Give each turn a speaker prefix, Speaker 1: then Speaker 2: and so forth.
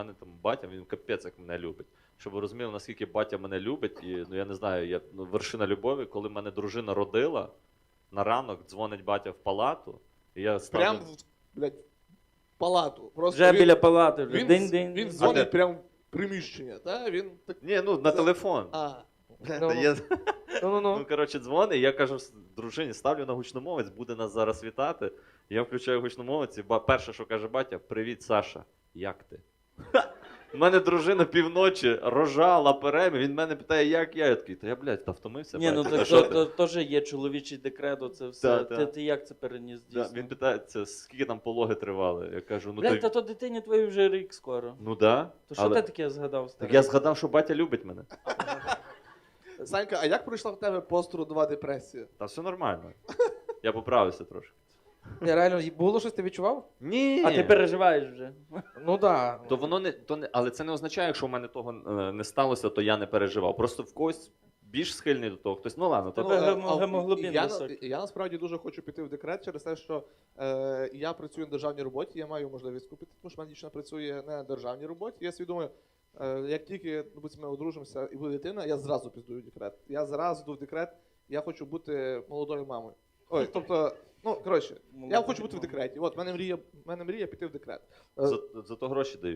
Speaker 1: мене там батя, він капець як мене любить. Щоб ви розуміли, наскільки батя мене любить, і ну я не знаю, вершина любові, коли мене дружина родила, на ранок дзвонить батя в палату, і я ставлю...
Speaker 2: Прям, блядь, в палату. Просто
Speaker 3: Вже біля палати, вже день-день.
Speaker 2: Він дзвонить прямо в приміщення, так? Він так...
Speaker 1: Ні, ну на телефон. Ну, коротше, дзвонить, і я кажу дружині, ставлю на гучномовець, буде нас зараз вітати. Я включаю гучномовець, і перше, що каже батя, привіт, Саша, як ти? У мене дружина півночі рожала перемі, він мене питає, як я? Я такий, та я, блядь, та втомився.
Speaker 3: Ні, ну так теж є чоловічий декрет, оце все. Ти як це переніс дійсно?
Speaker 1: Він питається, скільки там пологи тривали. Я кажу, ну
Speaker 3: блядь, та то дитині твоїй вже рік скоро.
Speaker 1: Ну да.
Speaker 3: То що ти таке згадав?
Speaker 1: Так я згадав, що батя любить мене.
Speaker 2: Санька, а як пройшла в тебе посттрудова депресія?
Speaker 1: Та все нормально. Я поправився трошки.
Speaker 4: Не, реально, було щось ти відчував?
Speaker 1: Ні.
Speaker 3: А ти переживаєш вже?
Speaker 4: Ну да.
Speaker 1: То воно не, але це не означає, якщо в мене того не сталося, то я не переживав. Просто в когось більш схильний до того, хтось, ну ладно, то
Speaker 3: гемоглобін високий.
Speaker 2: Я насправді дуже хочу піти в декрет через те, що я працюю на державній роботі, я маю можливість купити, тому що моя дівчина працює не на державній роботі. Я свідомо, як тільки ми одружимося і буде дитина, я зразу піздую в декрет. Я зразу йду в декрет, я хочу бути молодою мамою. Ой, тобто, ну, коротше, я хочу бути в декреті. От, в мене мрія піти в декрет.
Speaker 1: Зато гроші дають.